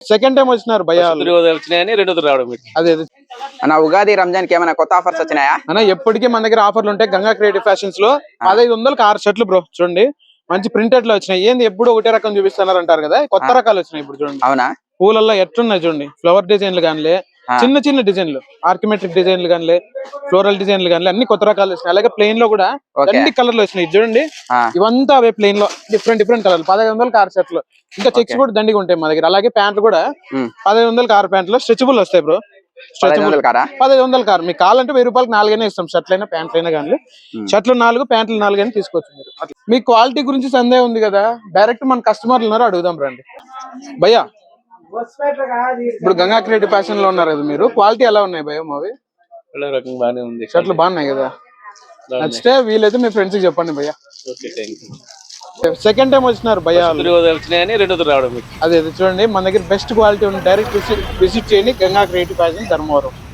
Second time వచ్చినారు భయ్యా వచ్చినాయని రెండోది రావడం. అదే అన్న ఉగాది రంజాన్ కి ఏమైనా కొత్త ఆఫర్స్ వచ్చినాయా? అన్న ఎప్పటికీ మన దగ్గర ఆఫర్లు ఉంటాయి. గంగా క్రియేటివ్ ఫ్యాషన్స్ లో 1500కి 6 షర్ట్లు బ్రో. చూడండి మంచి ప్రింటెడ్ లో వచ్చినాయి. ఏంది ఎప్పుడు ఒకటే రకం చూపిస్తున్నారు అంటారు కదా, కొత్త రకాలు వచ్చినాయి ఇప్పుడు చూడండి. అవునా? పూలల్లో ఎట్లున్నాయి చూడండి, ఫ్లవర్ డిజైన్లు కానీ, చిన్న చిన్న డిజైన్లు, ఆర్కిమెట్రిక్ డిజైన్లు కానీ, ఫ్లోరల్ డిజైన్లు కానీ అన్ని కొత్త రకాలు వచ్చినాయి. అలాగే ప్లెయిన్ లో కూడా అన్ని కలర్లు వచ్చినాయి చూడండి. ఇవంతా అవే ప్లెయిన్ లో డిఫరెంట్ కలర్లు. 1500కి 6 షర్ట్లు. ఇంకా చెక్స్ కూడా దండిగా ఉంటాయి మా దగ్గర. అలాగే ప్యాంట్లు కూడా 1500కి 6 ప్యాంట్లు స్ట్రెచబుల్ వస్తాయి బ్రో. 1500 కారు మీకు కావాలంటే 1000 రూపాయలకి 4 అయినా ఇస్తాం. షర్ట్లు అయినా ప్యాంట్లు అయినా కానీ. షర్ట్లు 4 ప్యాంట్లు 4 అయినా తీసుకోవచ్చు మీరు. మీ క్వాలిటీ గురించి సందేహం ఉంది కదా, డైరెక్ట్ మన కస్టమర్లు ఉన్నారు, అడుగుదాం రండి భయ్యా. ఇప్పుడు గంగా క్రియేటివ్ ఫ్యాషన్ లో ఉన్నారు కదా మీరు, క్వాలిటీ ఎలా ఉన్నాయి భయ్యా మావి? బాగానే ఉంది, షర్ట్లు బాగున్నాయి కదా. నచ్చితే వీలైతే మీ ఫ్రెండ్స్ కి చెప్పండి భయ్యా. సెకండ్ టైం వచ్చినారు భయ్యా, వచ్చినాయని రెండోది రావడం. అదే చూడండి మన దగ్గర బెస్ట్ క్వాలిటీ ఉంది. డైరెక్ట్ విజిట్ చేయండి గంగా క్రియేటివ్ ఫ్యాషన్ ధర్మవరం.